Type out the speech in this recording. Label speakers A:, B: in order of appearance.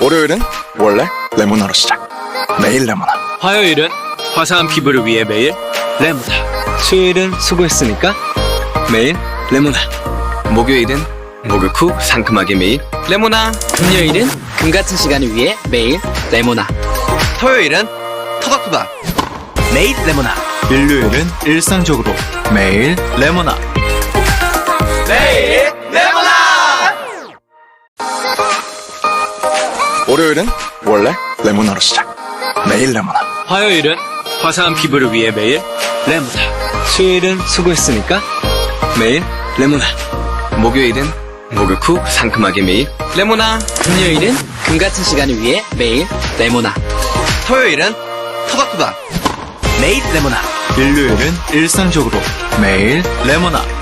A: 월요일은 원래 레모나로 시작. 매일 레모나.
B: 화요일은 화사한 피부를 위해 매일 레모나. 수요일은 수고했으니까 매일 레모나. 목요일은 목욕 후 상큼하게 매일 레모나.
C: 금요일은 금 같은 시간을 위해 매일 레모나.
B: 토요일은 토닥토닥 매일 레모나.
A: 일요일은 일상적으로 매일 레모나.
B: 매일 레모나.
A: 월요일은 원래 레모나로 시작. 매일 레모나.
B: 화요일은 화사한 피부를 위해 매일 레모나. 수요일은 수고했으니까 매일 레모나. 목요일은 목욕 후 상큼하게 매일 레모나.
C: 금요일은 금 같은 시간을 위해 매일 레모나.
B: 토요일은 토닥토닥 매일 레모나.
A: 일요일은 일상적으로 매일 레모나.